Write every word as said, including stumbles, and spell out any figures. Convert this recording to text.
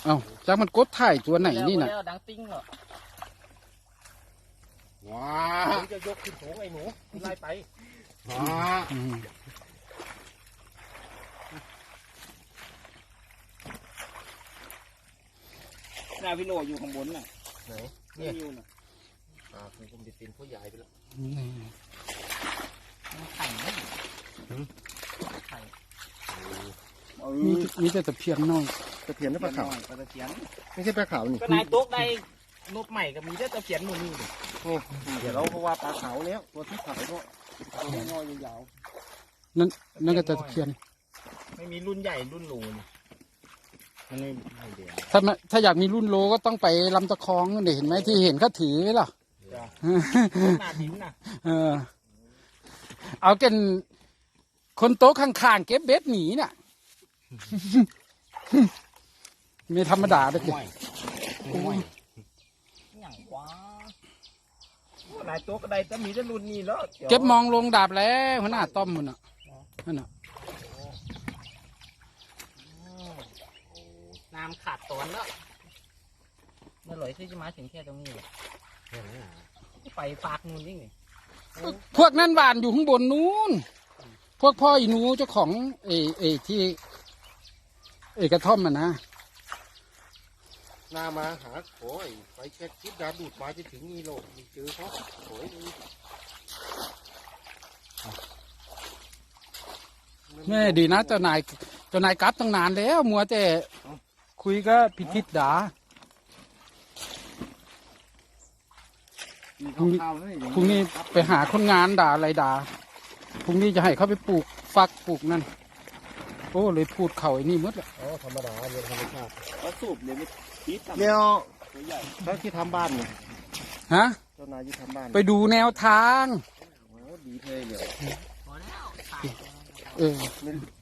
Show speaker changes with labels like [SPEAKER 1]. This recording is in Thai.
[SPEAKER 1] เอ้าจากมันกดถ่ายตัวไหนนี่น่ะ
[SPEAKER 2] แล้วดังติ้งเหรอ
[SPEAKER 3] ว้า
[SPEAKER 2] ผมจะยกขึ้นสูงไอ้หนูไล่ไป
[SPEAKER 3] ว้า
[SPEAKER 1] อืม
[SPEAKER 2] หน้าพี่โลอยู่ข้างบนน่ะ
[SPEAKER 3] ไหน
[SPEAKER 2] นี่อยู่น่ะ
[SPEAKER 3] อ่าคือผมจะเป็นผู้ใหญ่ไปแล้ว
[SPEAKER 1] นี่
[SPEAKER 2] มันไข่ไหมไข่
[SPEAKER 1] มีมีแต่ตะเพียนน้อย
[SPEAKER 3] ตะเพียนหรือปลาขาว
[SPEAKER 2] ปลาตะเพียน
[SPEAKER 3] ไม่ใช่ปลาขาวนี่
[SPEAKER 2] ก็นายโต๊ะได้นกใหม่กับมีแต่ตะเพียนหมดนี่เลย
[SPEAKER 3] นี่เดี๋ยวเราเพราะว่าปลาขาวแล้วตัวที่ขาวก็
[SPEAKER 2] น้อยยาว
[SPEAKER 1] นั่นนั่นก็ตะเพียน
[SPEAKER 2] ไม่มีรุ่นใหญ่รุ่นหลูนี่มันไม่ไม่เดียว
[SPEAKER 1] ถ้ามาถ้าอยากมีรุ่นโลก็ต้องไปลำตะคองนั่นเห็นไหมที่เห็นเขาถือไว้ล่ะ
[SPEAKER 2] หน้าดินน่ะ
[SPEAKER 1] เออ เอาเกันคนโต๊ะข้างๆเก็บเบ็ดหนีน่ะ ไม่ธรรมดาเด็ก
[SPEAKER 2] ห่วยห่วยอย่างว้า นายโต๊ะก็ได้แต่มีแต่รุ่นนี้แล้ว
[SPEAKER 1] เก็บมองลงดาบแล้วหัวหน้าต้อมมันอ่ะนั่นน่ะ
[SPEAKER 2] น้ำขาดตอนแล้วเมื่อไหร่ที่จะมาถึงแค่ตรงนี้ไปฝากนู่นนี่
[SPEAKER 1] พวกนั่นหวานอยู่ข้างบนนู้นพวกพ่ออีหนูเจ้าของเอเอที่เอกระท่อมมันนะ
[SPEAKER 3] หน้ามาหาโอ้ยไปแค่คิดดาดูดมาจะถึงนี่โลกมีเจอเขาโอ้ย
[SPEAKER 1] แม่ดีนะเจ้านายเจ้านายกลับตั้งนานแล้วมัวแต่คุยก็พิทิศดาพรุ่งนี้พรุ่งนี้ไปหาคนงานด่าอะไรด่าพรุ่งนี้จะให้เขาไปปลูกฟักปลูกนั่นโอ้เลยพูดเข่าไอ้นี่หมดละ
[SPEAKER 3] อ๋อธรรมดาเรื่องธรรมชาติ
[SPEAKER 2] ก็สูบเดี๋ยวไม่คิด
[SPEAKER 3] เดี๋ยว
[SPEAKER 2] ตัวใหญ่
[SPEAKER 3] เขาที่ทำบ้านเนี่ย
[SPEAKER 1] ฮะ
[SPEAKER 3] เจ้านายที่ทำบ้าน
[SPEAKER 1] ไปดูแนวทาง
[SPEAKER 3] โอ้ดีเลยเดี๋ยว
[SPEAKER 2] พอแล้ว
[SPEAKER 1] เออ
[SPEAKER 3] มัน